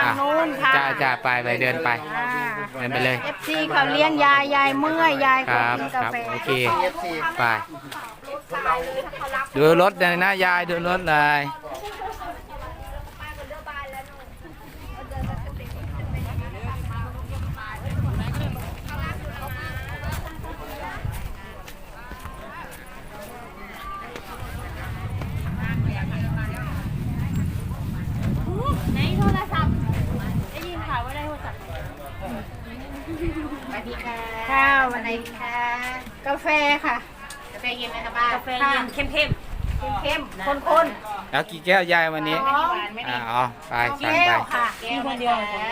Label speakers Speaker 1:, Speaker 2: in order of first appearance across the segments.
Speaker 1: นู้นค่ะ
Speaker 2: จ้าไปเดินไปเดินไปเลย
Speaker 1: FC เขาเลี้ยงยายเมื่อยยาย
Speaker 2: ค
Speaker 1: ก็
Speaker 2: รับ
Speaker 1: กิน
Speaker 2: ค
Speaker 1: กา
Speaker 2: รับ
Speaker 1: แฟ
Speaker 2: โอเคไปดูรถเลยนะยายดูรถเลย
Speaker 1: ในโทรศัพท์ได้ยินข่าวว่าได้โทรศัพท์
Speaker 3: สวัสดีค่ะ
Speaker 1: ข้าว
Speaker 3: วันไหนคะ
Speaker 1: กาแฟค่ะ
Speaker 3: กาแฟเย็นไหมคะป้าก
Speaker 1: าแฟเย็นเข้มเข้มข้น
Speaker 2: แล้วกี่แก้วยายวันนี้
Speaker 1: ๆ
Speaker 3: หวานไหม
Speaker 2: อ๋อไปสั่ง
Speaker 1: แก้
Speaker 2: ไป
Speaker 1: วค่ะ
Speaker 3: แก้วคนเดียว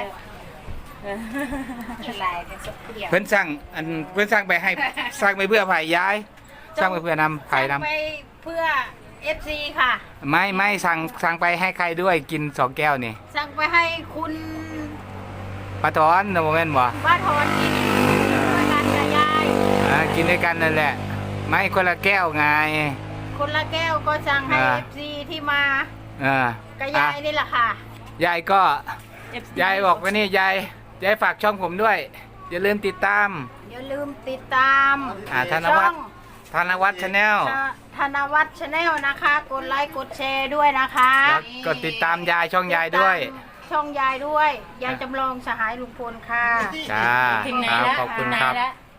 Speaker 3: กินลายเป็นสุกเดียว
Speaker 2: เพื่อนสั่งเพื่อนสั่งไปให้สั่งไปเพื่อไผ่ย้ายสั่งไปเพื่อนำไผ่น
Speaker 1: สั่งไปเพื่อ FC ค่ะ
Speaker 2: ำไม่สั่งไปให้ใครด้วยกิน2 แก้วนี่
Speaker 1: สั่งไปให้คุณ
Speaker 2: ปลาทอนนะโมเมนต์บ่
Speaker 1: ป้าทอนกินด้วยกันกับยาย
Speaker 2: กินด้วยกันนั่นแหละ ไม่คนละแก้วไง
Speaker 1: คนละแก้วก็สั่งให้ FC ที่มา
Speaker 2: อ่า
Speaker 1: กับยายนี่แหละค่ะ
Speaker 2: ยายก็ยายบอกว่านี่ยายฝากช่องผมด้วย อย่าลืมติดตาม
Speaker 1: อย่าลืมติดตาม
Speaker 2: ธนวัฒน์ธนวัฒน์ชาแนล
Speaker 1: ธนวัฒน์ชาแนลนะคะ กดไลค์กดแชร์ด้วยนะคะ
Speaker 2: แล้วก็ติดตามยายช่องยายด้วย
Speaker 1: ช่องยายด้วยยายจำลองสหายลุงพลค่ะ
Speaker 2: จ้าครับขอบคุณครับ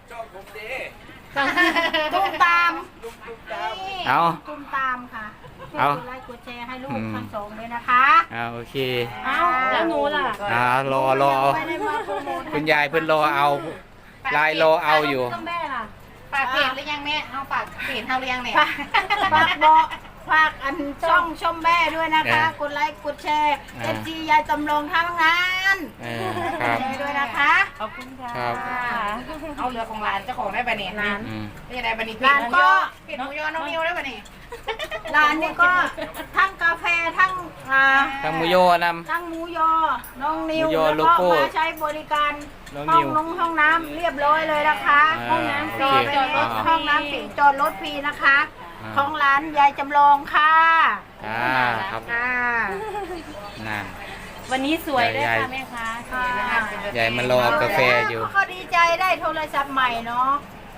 Speaker 1: ตุ้มตาม
Speaker 2: เอา
Speaker 1: ตุ้มตามค่ะ
Speaker 2: เอา
Speaker 1: กดไลค์กดแชร์ให้ลูก
Speaker 2: อืม
Speaker 1: ทั้งสองเลยนะคะ
Speaker 2: โอเค
Speaker 1: เอาแล้วหนูล่ะ
Speaker 2: รอ
Speaker 1: ไม่ได้มาโปรโมท
Speaker 2: คุณยายเพิ่นรอเอาลายรอเอาอยู่
Speaker 1: ต้องแม่ล่ะ
Speaker 3: ฝากเพจหรือยังแม่เอาฝากเพจเท่าหรือยังเนี่ย
Speaker 1: ฝากบอกฝากอันช่องชมแม่ด้วยนะคะ
Speaker 2: เออ
Speaker 1: กดไลค์กดแชร์
Speaker 2: อ่า
Speaker 1: FC ยายจำลองทั้งงาน
Speaker 2: ครับ
Speaker 1: แชร์ด้วยนะคะ
Speaker 3: ขอบคุณค่ะ
Speaker 2: ครับ
Speaker 3: เอาเรือของร้านเจ้าของได้ปะเนี่ย
Speaker 1: ร้าน
Speaker 3: นี่ได้ปะเนี่ย
Speaker 1: ร้านก็
Speaker 3: เพจหมูยอน้องนิวได้ปะเนี่ย
Speaker 1: ร้านนี้ก็ทั้งกาแฟทั้ง
Speaker 2: ทางมุโยน
Speaker 1: ทั้งหมูยอ น้องนิว
Speaker 2: หมูยอ
Speaker 1: แล้ว
Speaker 2: โล
Speaker 1: ก็
Speaker 2: โก้
Speaker 1: มาใช้บริการ
Speaker 2: น้อง
Speaker 1: ห้
Speaker 2: นิ
Speaker 1: อง
Speaker 2: ว
Speaker 1: นงห้องน้ำเรียบร้อยเลยนะคะ
Speaker 2: อ่า
Speaker 1: ห้องน้ำฟรี
Speaker 2: โอเค
Speaker 1: จอดรถ
Speaker 2: อ่า
Speaker 1: ห้องน้ำฟรีจอดรถฟรีนะคะ
Speaker 2: อ่า
Speaker 1: ของร้านยายจำลองค่ะ
Speaker 2: ครับ
Speaker 1: ค่ะ
Speaker 2: นั่น
Speaker 4: วันนี้สวยด้วย
Speaker 2: ยาย
Speaker 4: ค่ะแม่ค้า
Speaker 1: ค่ะ
Speaker 2: ยายมารอกาแฟอยู่
Speaker 1: ก็ดีใจได้โทรศัพท์ใหม่เนาะ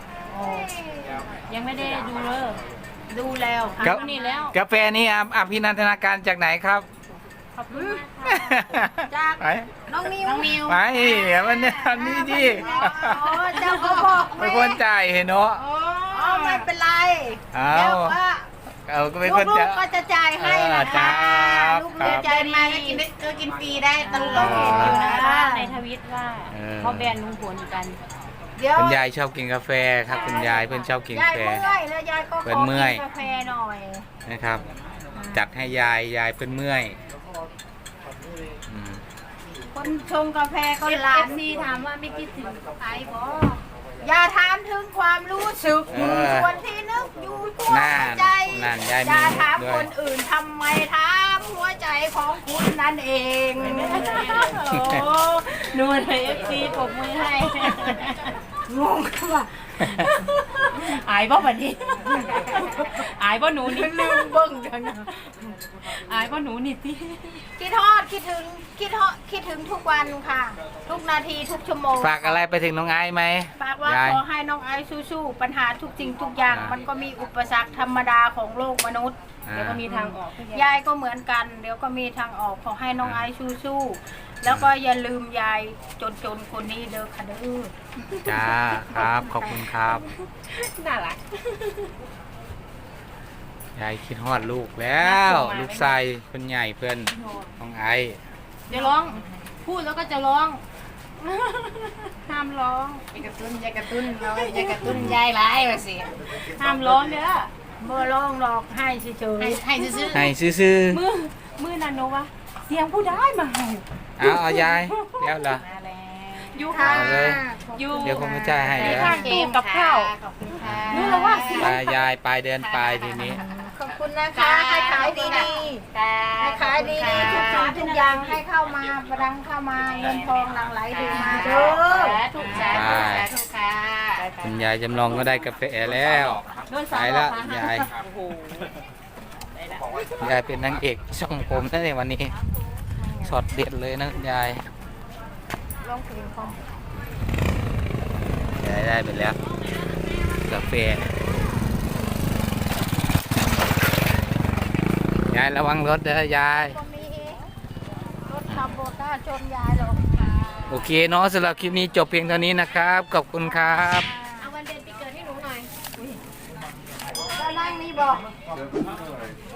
Speaker 4: ยังไม่ได้ดูเลย
Speaker 1: ดูแล้วค่ะ
Speaker 2: ครับ
Speaker 4: นี่แล้ว
Speaker 2: กาแฟนี้อภินันทนาการจากไหนครับ
Speaker 4: ขอบคุณมากค่ะ
Speaker 1: จาก
Speaker 2: ไป
Speaker 1: น้องนิว
Speaker 3: น้องนิว
Speaker 2: ไปมันเนี่ยอันนี้ดิ
Speaker 1: โอ้เจ้าก็บอก
Speaker 2: เป็นคนจ่ายเห็นเนาะ
Speaker 1: อ๋อไม่เป็นไร
Speaker 2: เอา
Speaker 1: เดี๋ยวก็
Speaker 2: ก็เป็นคน
Speaker 1: ลู
Speaker 2: จ่าก ย
Speaker 1: ๆก็จะจ่ายให้นะคะ
Speaker 2: ครับ
Speaker 1: ลูก
Speaker 2: ครั
Speaker 1: ๆ
Speaker 2: บ
Speaker 1: จ่าย
Speaker 3: มา
Speaker 1: มา
Speaker 3: ก็กินได้กินฟรีได้ตลอด
Speaker 2: อ๋อ
Speaker 3: อยู่นะ
Speaker 4: ในทวิตว่า
Speaker 2: เออ
Speaker 4: เขาแบนลุงพลกัน
Speaker 1: เดี๋ยว
Speaker 2: คุณยายชอบกินกาแฟครับคุณยายเพื่อนชอบกินกาย แฟ
Speaker 1: เมื่อยแล้วยายก็ข
Speaker 2: เพิ่
Speaker 1: อน
Speaker 2: เมื่อย
Speaker 1: กินกาแฟหน่อย
Speaker 2: นะครับ จัดให้ยายเพื่อนเมื่อยอืม
Speaker 1: คนชงกาแฟก็
Speaker 4: เอ
Speaker 1: หลาน
Speaker 4: ฟซีถามว่าไม่คิดถึงไอ้บอ
Speaker 1: อย่าถามถึงความรู้สึก
Speaker 2: เออ
Speaker 1: ส่วนที่นึกอยู่ตัว
Speaker 2: นั่น
Speaker 1: ใจ
Speaker 2: นั่นยายมี
Speaker 1: อย่าถาม
Speaker 2: ด้วย
Speaker 1: คนอื่นทำไมถามหัวใจของคุณนั่นเอง
Speaker 4: โอ้หนูเลยเอฟซีปรบมือให้
Speaker 1: งงว่ะ
Speaker 4: อายบ่บัดนี้อายบ่หนูนี่
Speaker 1: ลืมเบิ้งจังนะ
Speaker 4: อายบ่หนูนี่ที่
Speaker 1: คิดทอดคิดถึงคิดถึงทุกวันค่ะ ทุกนาทีทุกชั่วโมง
Speaker 2: ฝากอะไรไปถึงน้องไอ้ไหม
Speaker 1: ฝากว่าย
Speaker 2: าย
Speaker 1: ขอให้น้องไอซ์สู้ๆปัญหาทุกสิ่งทุกอย่าง มันก็มีอุปสรรคธรรมดาของโลกมนุษย์
Speaker 2: อ่า
Speaker 4: เดี๋ยวก็มีทางออกทุกอย่าง
Speaker 1: ยายก็เหมือนกัน เดี๋ยวก็มีทางออกขอให้น้องไอซ์สู้ๆแล้วก็อย่าลืมยายจนๆคนนี้เด้อค่ะเด้อ
Speaker 2: จ้าครับขอบคุณครับ
Speaker 4: น่ารัก
Speaker 2: ยายคิดฮอดลูกแล้ว ลูกชายคนใหญ่เพื่อนน้องไอ้
Speaker 4: เดี๋ยวร้องพูดแล้วก็จะร้องห้ามร้อง
Speaker 3: ยายกระตุ้นยายกระตุ้นเรายายกระตุ้นยายร้ายมาสิ
Speaker 4: ห้ามร้องเด้อ
Speaker 1: เมื่อร้องหลอกให้เฉย
Speaker 3: ให้ซื้อ
Speaker 2: ให้ซื่อ
Speaker 4: มือนันโนวะเสียงผู้ได้มาให้
Speaker 2: ๆเอายายแล้วเหรอ
Speaker 3: มาแล้ว
Speaker 4: อยู่
Speaker 1: ๆ
Speaker 4: ค่ะ
Speaker 2: เอาเลย
Speaker 4: อยู่
Speaker 2: เดี๋ยวผมจะจ่ายให้
Speaker 4: ใน
Speaker 2: เดี๋ยว
Speaker 4: ทางตู้กับข้าว
Speaker 3: ขอบคุณค่ะ
Speaker 4: รู้แล้วว่าเสียง
Speaker 2: ไปยายไปเดินไปทีนี้
Speaker 1: ขอบคุณนะคะให้ขายดี
Speaker 3: ค่ะ
Speaker 1: ๆให้ขายดีๆทุกสิ่งทุกอย่างให้เข้ามาประดังเข้ามาเงินทองหลั่งไหลดีมาเด้อ
Speaker 3: ทุกสาธุสาธุค่ะ
Speaker 2: คุณยายจำลองก็ได้กาแฟแล้ว
Speaker 4: โดน
Speaker 2: ไป
Speaker 4: สาว
Speaker 2: แล้ว
Speaker 4: หลอก
Speaker 2: ยาย
Speaker 4: โอ้โห
Speaker 2: ยายเป็นนางเอกช่องผมนั่นเองวันนี้ช็อตเด็ดเลยนะยาย
Speaker 1: ร้องเพลงพร้อม
Speaker 2: ยายได้ไปแล้วกาแฟยายระวังรถเด้อยาย
Speaker 1: ก็มีรถขับรถหน้าชนยายหรอก
Speaker 2: โอเคเนาะสำหรับคลิปนี้จบเพียงเท่านี้นะครับ ขอบคุณครับ
Speaker 4: เอาวันเดือนปีเกิดให้หนูหน่อย
Speaker 1: แล้วนั่งนี่บอก
Speaker 5: Good.